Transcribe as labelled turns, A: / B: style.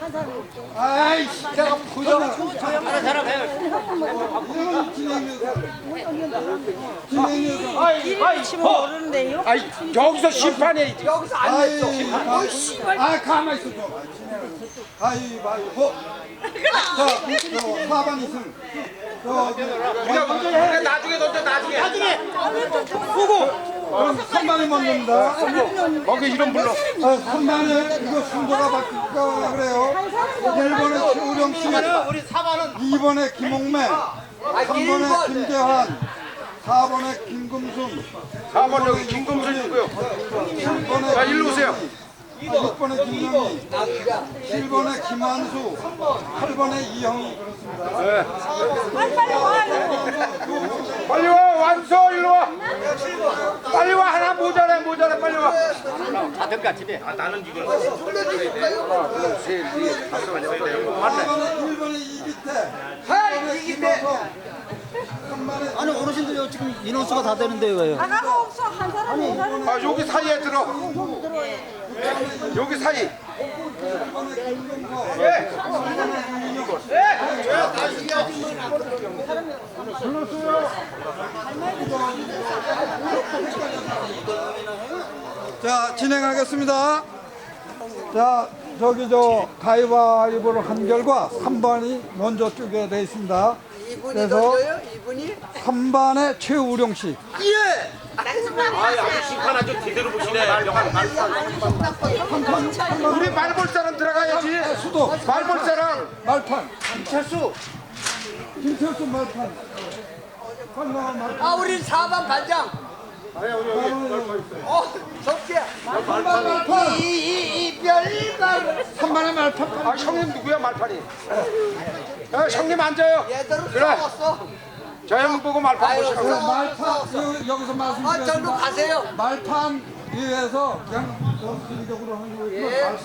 A: 아이씨, 제가 보자.
B: 이름이 치면 모르는데요?
C: 아이 여기서 심판해.
A: 여기서 안 했어. 아, 가만 있어 좀. 가위바위보. 자, 4번 이승.
C: 우리가 나중에 던져 나중에.
A: 그럼 3번이 먼저입니다.
C: 거기 이름 불러.
A: 3번에 이거 순서가 바뀔까 그래요. 1번에 최우령 씨,
D: 우리 4번은
A: 2번에 김홍매, 3번에 김재환, 4번에 김금순,
C: 4번 여기 김금순이고요.
A: 7번에
C: 자, 일로 오세요.
A: 6번에 김영희, 7번에 김한수, 8번에 이형이 그렇습니다.
C: 빨리 와 완서 일로 와. 빨리 와 하나 모자래 빨리 와.
D: 다될까 집에. 나는 지금.
A: 1번에 이기태, 2번에 김호성, 3번에
E: 아니 어르신들 지금 인원수가 다 되는데 왜요?
B: 하나가 없어. 한 사람이 오라는
C: 아 여기 사이에 들어. 여기 사이.
A: 자, 진행하겠습니다. 자, 저기 가위바위보를 한 결과 3번이 먼저 쪼개 돼 있습니다. 그래서 3번에 최우령 씨.
D: 아주 심판한 좀 제대로 보시네.
C: 우리 말볼 사람 들어가야지.
A: 수도
C: 말볼 사람.
A: 말판.
C: 김철수.
A: 김철수 말판. 한나와 말판.
F: 아, 우리 4번 반장. 적게.
A: 3번 말판.
F: 이별만.
A: 3번에 말판.
C: 아 형님 누구야 말판이? 야 형님 앉아요.
F: 얘들은
C: 그래.
F: 싸웠어.
C: 저 형 보고 말판
F: 아유,
C: 보시라고.
A: 말판 여기서
F: 아, 절로
A: 말씀드렸습니다.
F: 가세요.
A: 말판 위에서 그냥 정식적으로 하는 거예요.